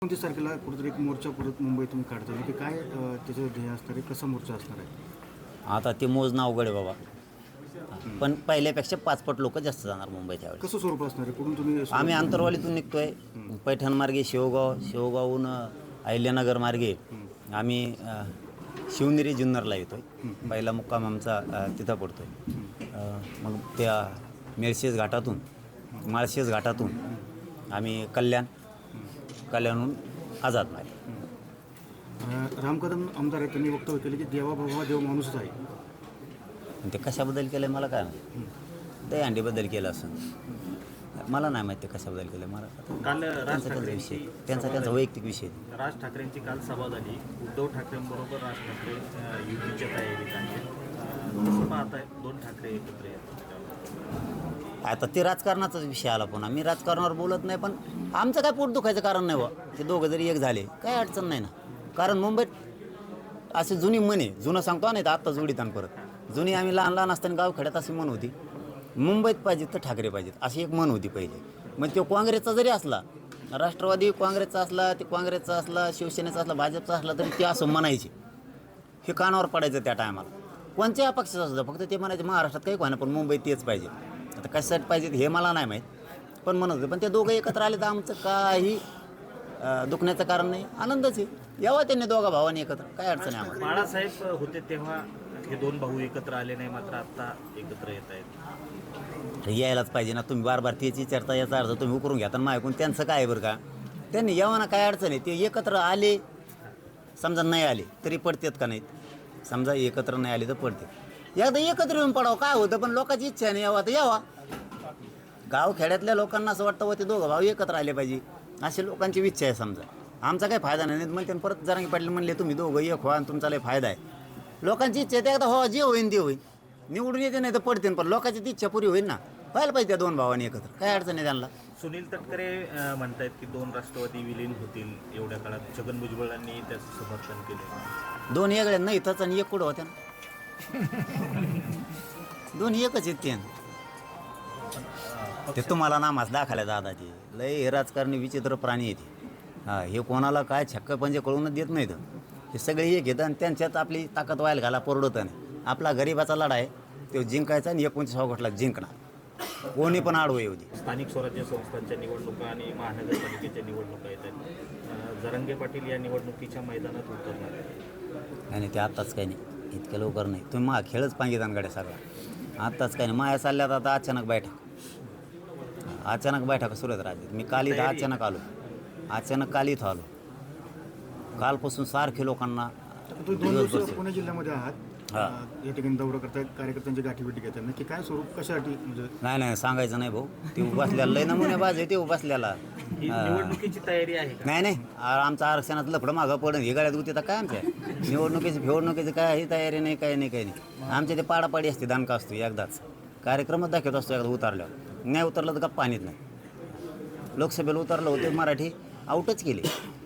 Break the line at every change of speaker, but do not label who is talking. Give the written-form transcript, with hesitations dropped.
29 तारखेला कुठेतरी एक मोर्चा परत मुंबईतून काढतात की काय त्याचं ध्येय असणार आहे, कसा मोर्चा असणार आहे?
आता ते मोजणं अवघड आहे बाबा. पण पहिल्यापेक्षा 5 पट लोक जास्त जाणार मुंबईत यावेळेस.
कसं स्वरूप असणार आहे, कुठून तुम्ही
आम्ही आंतरवालीतून निघतोय, पैठण मार्गे शेवगावहून अहिल्यानगर मार्गे आम्ही शिवनेरी जुन्नरला येतोय. पहिला मुक्काम आमचा तिथं पडतोय. मग त्या मेळशेज घाटातून माळशेज घाटातून आम्ही कल्याणहून आझाद मार्गे.
राम कदम आमदार आहेत, त्यांनी वक्तव्य केलं की देवा बाबा देव माणूसच आहे.
ते कशाबद्दल केलं आहे मला काय माहिती. दहीहंडीबद्दल केलं असं मला नाही माहिती कशाबद्दल केलं. मला
काल राज
त्यांचा
ठाकरेंची
विषय, त्यांचा वैयक्तिक विषय.
राज ठाकरेंची काल सभा झाली. उद्धव ठाकरेंबरोबर राज ठाकरे युतीच्या तयारीत आहेत. कसं पाहताय दोन ठाकरे एकत्र येतात?
आता ते राजकारणाचाच विषय आला. पुन्हा मी राजकारणावर बोलत नाही, पण आमचं काय पोट दुखायचं कारण नाही बा. ते दोघं जरी एक झाले काय अडचण नाही ना. कारण मुंबईत अशी जुनी म्हण आहे, जुनं सांगतो नाही तर आत्ता जोडीत आणि परत जुनी. आम्ही लहान असताना गावखेड्यात अशी म्हण होती, मुंबईत पाहिजेत तर ठाकरे पाहिजेत अशी एक म्हण होती पहिले. मग तो काँग्रेसचा जरी असला, राष्ट्रवादी काँग्रेसचा असला, ते काँग्रेसचा असला, शिवसेनेचा असला, भाजपचा असला, तरी ते असं म्हणायचे. हे कानावर पडायचं त्या टायमाला. कोणत्याही पक्षाचं असतं, फक्त ते म्हणायचे महाराष्ट्रात काही व्हायना पण मुंबईत तेच पाहिजे. आता कशासाठी पाहिजेत हे मला नाही माहीत, पण म्हणत होते. पण ते दोघं एकत्र आले तर आमचं काही दुखण्याचं कारण नाही, आनंदच आहे. यावं त्यांनी दोघा भावांनी एकत्र, काय अडचण आहे आम्हाला.
बाळासाहेब होते तेव्हा हे दोन भाऊ एकत्र आले नाही, मात्र आता एकत्र येत आहेत.
यायलाच पाहिजे ना. तुम्ही बार त्याची चर्चा याचा अर्थ तुम्ही उकरून घ्या तर ऐकून त्यांचं काय आहे बरं का. त्यांनी यावं काय अडचण आहे. ते एकत्र आले, समजा नाही आले तरी पडतात का नाहीत. समजा एकत्र नाही आले तर पडते. एकदा एकत्र येऊन पडावं काय होतं, पण लोकांची इच्छा नाही यावा तर यावा. गावखेड्यातल्या लोकांना असं वाटतं व ते दोघं भाऊ एकत्र आले पाहिजे, अशी लोकांची इच्छा आहे. समजा आमचा काही फायदा नाही म्हणते. परत जरांगी पाटील म्हणले तुम्ही दोघं एक व्हा आणि तुमचा लय फायदा आहे. लोकांची इच्छा आहे ते एकदा हो, जे होईन ते होईन. निवडून येते नाही तर पडते, पण लोकांची इच्छा पुरी होईल ना. व्हायला पाहिजे त्या दोन भावांनी एकत्र, काय अडचण आहे त्यांना.
सुनील तटकरे म्हणतायत की दोन राष्ट्रवादी विलीन होतील एवढ्या काळात. छगन भुजबळांनी त्याचं समर्थन केलं.
दोन वेगळे नाही इथंच आणि एक कुठं होत्या ना. दोन्ही एकच आहेत ते तुम्हाला नामास दाखवल्या दादाची. लय हे राजकारणी विचित्र प्राणी येते. हे कोणाला काय छक्क पंजे कळूनच देत नाहीत. हे सगळे एक घेतात आणि त्यांच्यात आपली ताकद व्हायला घाला परवडतं नाही. आपला गरिबाचा लढा आहे तो जिंकायचा आणि 29 ऑगस्टला जिंकणार. कोणी पण आडवं येऊ दे.
स्थानिक स्वराज्य संस्थांच्या निवडणुका आणि महानगरपालिकेच्या निवडणुका येत आहेत. जरांगे पाटील या निवडणुकीच्या मैदानात उतरणार आहेत.
नाही ते आत्ताच काही नाही, इतक्या लवकर नाही. तुम्ही मा खेळच पाहिजे दानगाड्या सगळा. आत्ताच काही नाही. माया चालल्यात आता अचानक बैठक सुरू आहेत राज्यात. मी काल इथं अचानक काल इथं आलो. कालपासून सारखे लोकांना
तुम्ही 2 दिवस पुणे जिल्ह्यामध्ये आहात, या ठिकाणी दौरा करतायत, कार्यकर्त्यांची गाठीभेटी घेतात, नक्की काय स्वरूप कशासाठी? म्हणजे
नाही सांगायचं नाही भाऊ. ते उभासल्याला लय नमुने बाज आहे. ते उभासल्याला
ही निवडणुकीची तयारी आहे का?
नाही आमचं आरक्षणात लफडं मागं पडून हे गाड्यात होते तर काय आमच्या निवडणुकीची काय ही तयारी नाही, काही नाही. आमच्या ते पाडापाडी असते, दानका असतो एकदाच. कार्यक्रमच दाखवत असतो एकदा उतरल्यावर. नाही उतरलं तर गप्पा आणत नाही. लोकसभेला उतरलं होते मराठी आऊटच केले.